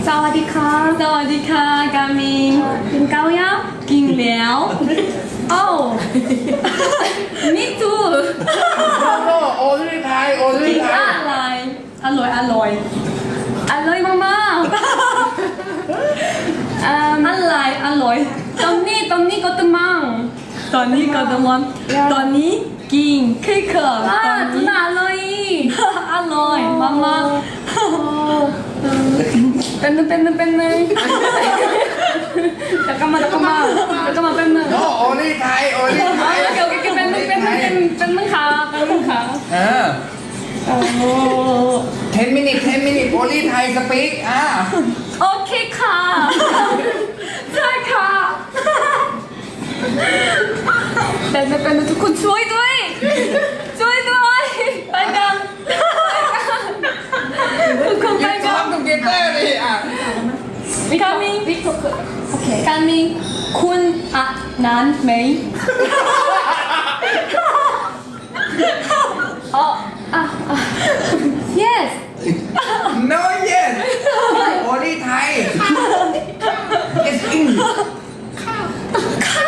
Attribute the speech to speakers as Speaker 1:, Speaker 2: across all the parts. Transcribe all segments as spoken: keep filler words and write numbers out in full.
Speaker 1: สวัสดีค่ะสวัสดีค่ะกามินกินข้าวยังกินแล้วโอ้ me too
Speaker 2: โอ้โอ้ที่ไทยโอ้ที่
Speaker 1: กิน
Speaker 2: ไทย
Speaker 1: อะไรอร่อยอร่อยอร่อยมากมากอะไรอร่อยตอนนี้ตอนนี้ก็ตมังตอนนี้ก็ตมังตอนนี้กินเค้กอ่าจุน่าอร่อยอร่อยมากมากเป็นนึงเป็นนึงเป็นนึงจะกลับมาจะกลับมาจะกลับมาเป็นนึง
Speaker 2: โอ้โอ้ที่ไทยโอ้ที่ไทย
Speaker 1: โอเคโอเคเป็นนึงเป็นนึงเป็นเป็นนึงค่ะเป็นนึงค่ะ
Speaker 2: เออ
Speaker 1: โอ้
Speaker 2: ten minutes ten minutes โอ้ที่ไทยสปีกอ่า
Speaker 1: โอเคค่ะใช่ค่ะเป็นนึงเป็นนึงทุกคนช่วยด้วยช่วยด้วยไปกันทุกคนไป
Speaker 2: ยืนซ้
Speaker 1: กั
Speaker 2: อน มกับเกเตอร์ดิอ่ะ
Speaker 1: กามิงโอเคกามิงคุณอ่ะนั้นไหมอ๋ออ่ะอ่ะ yes
Speaker 2: no yes โอ้ที่ไทย yes in
Speaker 1: ค่ะ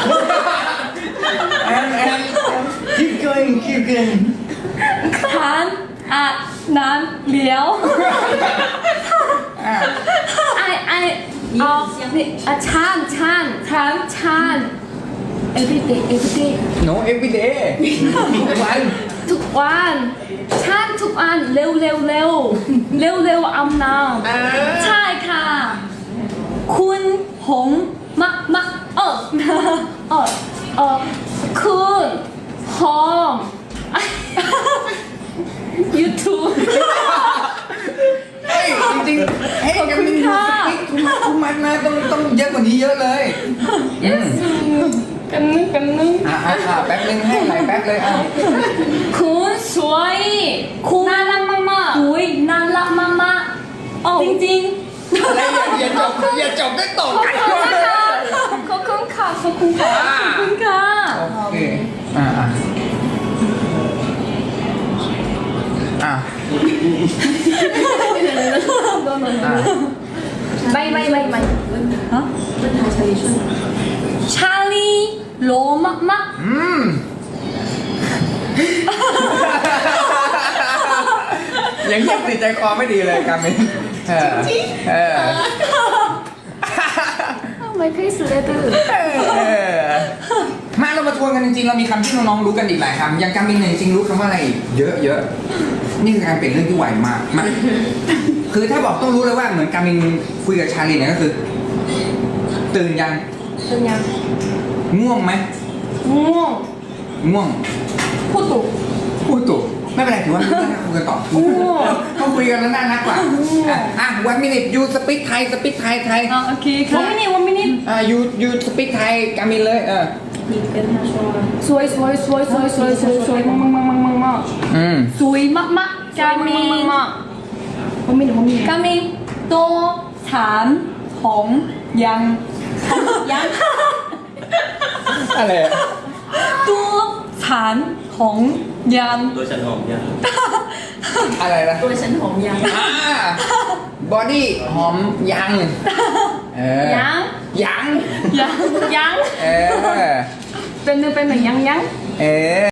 Speaker 2: and and keep going keep going
Speaker 1: คันอ่ะนั้นเหลียว
Speaker 2: อ่ะ
Speaker 1: ไอไอเอานี่อ่ะชันชันชันชัน everyday everyday
Speaker 2: no every day วัน
Speaker 1: ทุกวันชันทุกวันเร็วเร็วเร็วเร็วเร็วอาบน้
Speaker 2: เออ
Speaker 1: ำใช่ค่ะ คุณหงมะมะเออเออเออคุณหอม YouTube
Speaker 2: เฮ้ยจริงๆเฮ้ย
Speaker 1: ขอบ
Speaker 2: ยัง
Speaker 1: คุณ
Speaker 2: มี
Speaker 1: ค่ะ
Speaker 2: สปีกทุกมัดทุกมัดนะต้องต้องเยอะกว่านี้เยอะเลยอืม
Speaker 1: กันนึงกันนึง
Speaker 2: อ่ะอ่ะอ่ะแป๊บนึงให้ไหลายแป๊บเลยอ่ะ
Speaker 1: คุณสวยคุณน่ารักมากๆสวยน่ารักมากๆจริงๆ
Speaker 2: อะไรอย่าอย่าจบอย่าจบได้ตก
Speaker 1: ขอบคุณค่ะขอบคุณค่ะขอบคุณค่ะขอบคุณค่ะ
Speaker 2: โอเคอ่ะอ่ะอ่ะ อ่ะ
Speaker 1: ไม่ไม่ไม่ไม่ฮะชาลีโลมากมาก
Speaker 2: อืมยังเงียบติดใจคอไม่ดีเลยกามินเออเออ
Speaker 1: ไม่เพสเลยดื้อ
Speaker 2: เออมาเรามาทวนกันจริงๆ เรามีคำที่น้องๆรู้กันอีกหลายคำอย่างกามินเนี่ยจริงๆรู้คำว่าอะไรอีกเยอะเยอะนี่คือการเปลี่ยนเรื่องที่ไวมากมาคือถ้าบอกต้องรู้เลยว่าเหมือนกามินคุยกับชาลีเนี่ยก็คือ ตื่นยัง
Speaker 1: เป็นยัง
Speaker 2: ง่วงไหม
Speaker 1: ง่วง
Speaker 2: ง่วง
Speaker 1: พูดถูก
Speaker 2: พูดถูกไม่เป็นไรถือว่าไม่ต้องคุยกันต่อ
Speaker 1: โอ้
Speaker 2: ต้องคุยกันแล้วน่ารักกว่าอ่ะอ่ะวันมินิยูสปีกไทยสปีกไทยไทย
Speaker 1: อ่ะโอเคค่ะ one minute one minute
Speaker 2: อ่ะยูยูสปีกไทยกามินเลยเออ
Speaker 1: สวยสวยสวยสวยสวยสวยสวยมากมากมากมากมาก
Speaker 2: อืม
Speaker 1: สวยมากมากกามินผมมีผมมีกามินโตฐานของยังยัง
Speaker 2: อะไรอะ
Speaker 1: ตัวฐานของยัง
Speaker 3: ตัวฉันหอมยัง
Speaker 2: อะไรนะ
Speaker 1: ตัวฉันของยัง
Speaker 2: อ่าบอดี้หอมยังเออ
Speaker 1: ยัง
Speaker 2: ยัง
Speaker 1: ยังยัง
Speaker 2: เออ
Speaker 1: เป็นหนึ่งเป็นหนึ่งยังยัง
Speaker 2: เออ